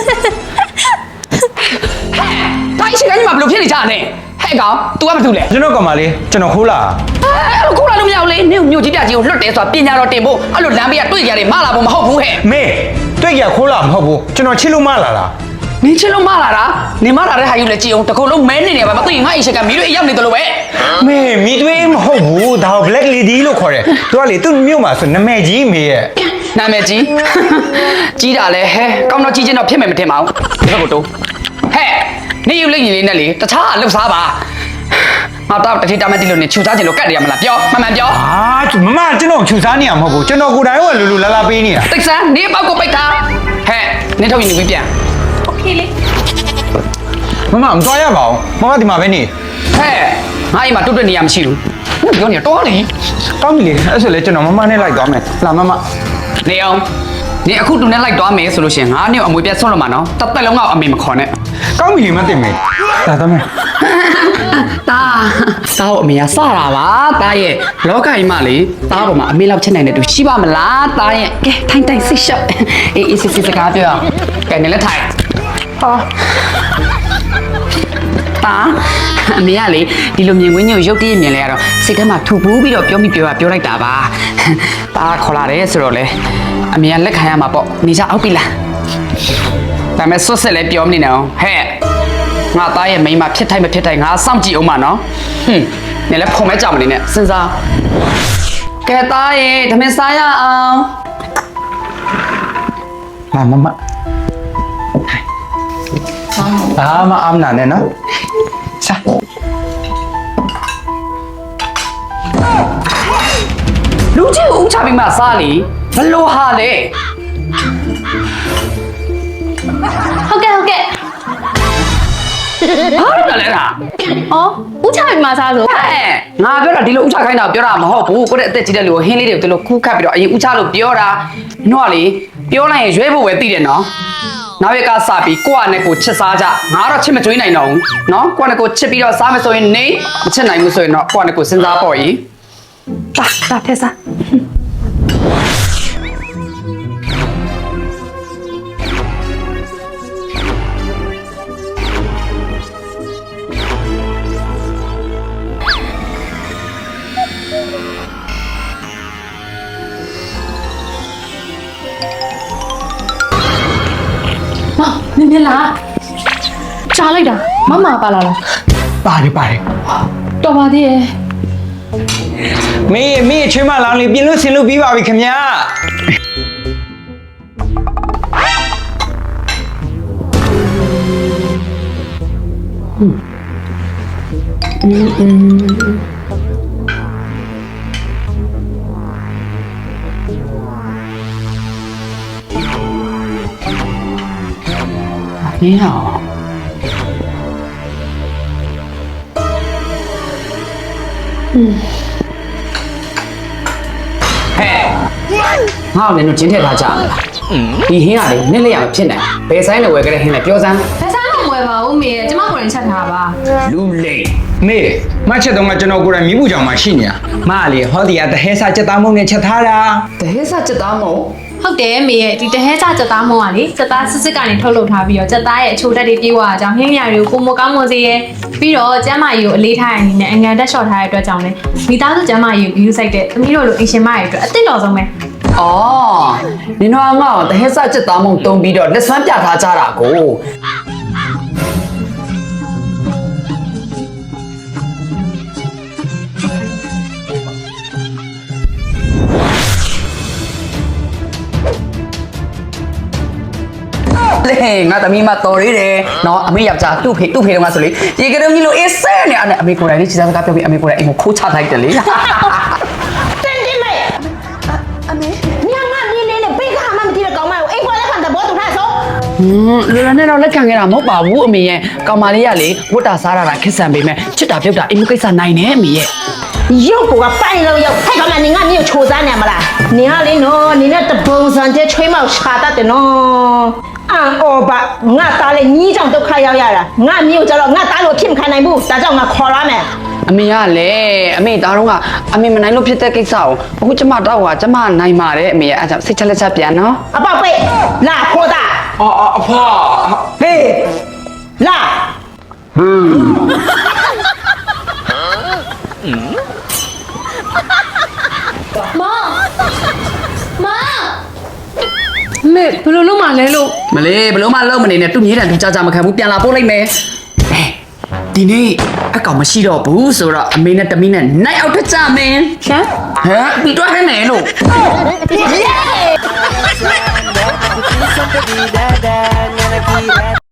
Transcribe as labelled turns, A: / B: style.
A: ဒါအချိန်ကညီမဘယ်လိုဖြစ်နေကြလဲဟဲ့ကောင် तू ကဘာလုပ်လဲ
B: ကျွန်တော်ကမှလေးကျွန်တော်ခိုးလာ
A: အဲ့လိုခုလာလို့မရဘူးလေမြို့ကြီးပြကြီးကိုလွတ်တယ်ဆိုတာပညာတော်တင်ဖို့အဲ့လိုလမ်းဘေးကတွေ့ကြတယ်မလာဘူးမဟုတ်ဘူးဟဲ့
B: မေတွေ့ကြခိုးလာမဟုတ်ဘူးကျွန်တော်ချစ်လို့မလာတာ
A: နင်းချစ်လို့မလာတာနင်မလာတဲ့ဟာယူလေကြည့်အောင်တခုလုံးမဲနေနေပါမသိရင်ငါ့အိမ်ရှိကမီးတို့အိမ်ရောက်နေတယ်လို့ပဲ
B: မေမိသွေးမဟုတ်ဘူးဒါကို black lady လို့ခေါ်တယ်သူကလေသူ့မြို့မှာဆိုနာမည်ကြီးမေရဲ့
A: နာမည်ကြီးကြီးတာလဲဟဲကောင်းတော့ကြီးချင်းတော့ဖြစ်မယ်မထင်ပါဘူးဒီဘက်ကိုတိုးဟဲ့နေယူလိမ့်ညီလေးနဲ့လေတခြားလှုပ်စားပါငါတော့တတိတမတိလို့နေချူစားချင်လို့ကတ်တယ်ရမလားပြောမှန်ပြော
B: မမကျွန်တော်ချူစားနေရမဟုတ်ဘူးကျွန်တော်ကိုယ်တိုင်ကလူလူလာလာပေးနေတာ
A: တိတ်ဆန်းနေပေါက်ကိုပိတ်ထားဟဲ့နေထုတ်ရင်နေပြီးပြန်
C: โอเคလေ
B: မမမသွားရပါဘူးမမဒီမှာပဲနေ
A: ဟဲ့ငါအိမ်မှာတွတ်တွတ်နေရမရှိဘူးပြောနေတော့လေ
B: ကောင်းပြီလေအဲ့ဆိုလေကျွန်တော်မမနဲ့လိုက်သွားမယ်လာမမ
A: နေအောင်နေအခုတူနဲ့လိုက်သွားမယ်ဆိုလို့ရှိရင်ငါနဲ့အမွေပြတ်ဆွန့်လို့မှာနော်တစ်သက်လုံးကအမေမခေါ်နဲ့
B: ကောင်းပြီလေမတင်မေလာသွားမယ်
A: တာကိုအမေကစတာပါတာရဲ့လောကကြီးမှာလေတာပေါ်မှာအမေလောက်ချက်နိုင်တဲ့သူရှိပါမလားတာရဲ့ကဲထိုင်စိတ်ရှော့အေးစစ်စကားပြောကဲနေလက်ထိုင်ဟာတာအမေကလေဒီလိုမြင်ကွင်းညို့ရုပ်တရက်မြင်လဲရတော့စိတ်ထဲမှာထူပူးပြီးတော့ပြောလိုက်တာပါတာခေါ်လာတယ်ဆိုတော့လေအမေကလက်ခံရမှာပေါ့နေကြအောက်ပြီလားဒါမဲ့ဆွတ်ဆက်လဲပြောမနေနဲ့အောင်ဟဲ့ငါသားရဲ့မိန်းမဖြစ်ထိုက်မဖြစ်ထိုက်ငါစောင့်ကြည့်အောင်ပါနော်ဟွန်းနေလဲဖုံမဲကြောင်မနေနဲ့စဉ်းစားကဲသားရဲ့ဓမင်းစားရအောင်
B: လာမမလာမအမ်နာနဲ့နော်စား
A: လူကြီးကိုဥချပြီးမှစားလေဘလို့ဟာလေ
C: ဟုတ်ကဲ့
A: ဟာတော့လဲလား
C: ဩဥချပြီမှာစားဆို
A: ဟဲ့ငါပြောတာဒီလိုဥချခိုင်းတာပြောတာမဟုတ်ဘူးကိုယ့်ရဲ့အသက်ကြီးတဲ့လူကိုဟင်းလေးတွေကိုဒီလိုခူးခတ်ပြီးတော့အရင်ဥချလို့ပြောတာနော်လေပြောလိုက်ရင်ရွေးဖို့ပဲသိတယ်နော်နောက်ရက်ကစပြီးကိုယ့်အနေကိုချစ်စားကြငါတော့ချစ်မကြွေးနိုင်တော့ဘူးနော်ကိုယ့်အနေကိုချစ်ပြီးတော့စားမယ်ဆိုရင်နေမချစ်နိုင်ဘူးဆိုရင်တော့ကိုယ့်အနေကိုစဉ်းစားပေါ့ကြီးတာထဲစား
C: မင်းလားကြားလိုက်တာမမပါလာလား
B: ပါတယ်
C: တော်ပါသေးရဲ့
B: မေချွေးမလောင်းလေးပြင်လို့ဆင်လို့ပြီးပါပြီခင်ဗျာ
A: 你好。ဟဲ့ငါ့ကိုလည်းတော့ကျင်းထည့်ထားကြတယ်ဒီဟင်းကလေနစ်လက်ရမဖြစ်နိုင်ဘယ်ဆိုင်လဲဝယ်ကြတဲ့ဟင်းလဲပြောစမ်း
C: ဘယ်စားမှမဝယ်ပါဘူးမေကျမကိုယ်တိုင်ချက်ထားပါ
A: လူလိမ်
B: မေမချက်တော့ကကျွန်တော်ကိုယ်တိုင်မိဘူးကြောင်မှရှိနေတာမလေဟောဒီကတဟဲစာချက်သားမုံနဲ့ချက်ထားတာ
A: တဟဲစချက်သားမို့
C: ဟုတ်တယ်မေရဲ့ဒီတဟဲစားချက်သားမုံကလေချက်သားစစ်ကနေထုတ်လုပ်ထားပြီးတော့ချက်သားရဲ့အချိုတက်တွေပြေးသွားတာကြောင့်ဟင်းမြတွေကိုပုံမကောင်းမွန်စေရဲ့ပြီးတော့ကျမ်းမာရေးကိုအလေးထားရတဲ့အနေနဲ့အငံတက်လျှော့ထားတဲ့အတွက်ကြောင့်လေမိသားစုကျမ်းမာရေးကိုယူဆိုင်တဲ့သမီးတို့လိုအင်ရှင်မရဲ့အတွက်အသင့်တော်ဆုံးပဲ
A: အော်နင်တို့ကငါ့ကိုတဟဲစချက်သားမို့တုံးပြီးတော့လက်စွမ်းပြထားကြတာကိုလေငါသမီးမတော်ရည်တယ်နော်အမေယောက်ျားသူ့ဖေတုံးကဆိုလေရေကတုံးကြီးလို့အေးဆဲနေအဲ့အမေကိုယ်တိုင်လေးခြေစားစကားပြောပြီးအမေကိုယ်တိုင်အိမ်ကိုခိုးချလိုက်တယ်လေ
D: တင်တင်မေအမေညငါနေလေးနဲ့ဘေးကမှမသိတဲ့ကောင်မကိုအိမ်ပေါ်လက်ခံတဲ့ဘောတူထားဆုံး
A: လူရနဲ့တော့လက်ခံခဲ့တာမဟုတ်ပါဘူးအမေရဲ့ကောင်မလေးကလေဝတ်တာစားတာခက်ဆန်ပေမဲ့ချစ်တာပြုတ်တာအိမ်မကိစ္စနိုင်နေအမေရဲ့
D: ရုပ်ကပိုင်လို့ရောက်ထိုက်ကောင်မနေငါမျိုးချိုးစားနေမလားနေရလေးနော်နေနဲ့တပုံစံတဲ့ချွေးမောက်ရှာတတ်တယ်နော်အော်ဘာငါသားလေးညီးကြောင့်ဒုက္ခရောက်ရတာငါမျိုးကြတော့ငါသားလို့ဖြစ်မခံနိုင်ဘူးဒါကြောင့်ငါခေါ်လာမယ်
A: အမေကလည်းအမေသားတော့ကအမေမနိုင်လို့ဖြစ်တဲ့ကိစ္စကိုအခုကျမတော့ကကျမနိုင်ပါတယ်အမေရဲ့အဲကြောင့်စိတ်ချက်လက်ချက်ပြန်နော်
D: အပေါက်ပိတ်လာခေါ်တာ
B: အဖွာ
D: ဟေးလာ
C: မေဘယ်လိုလုပ်မှလဲလို့
A: မလေးဘလို့မှလုံးမနေနဲ့သူ့မြေးတံသူကြာမခံဘူးပြန်လာပို့လိုက်မယ်ဒီနေ့အကောင်မရှိတော့ဘူးဆိုတော့အမေနဲ့တမီးနဲ့နိုင်အောင်ထကြမင်း
C: ရှမ်း
A: ဟမ်ပြီးတော့ဟဲ့မယ်လို့
D: ယေ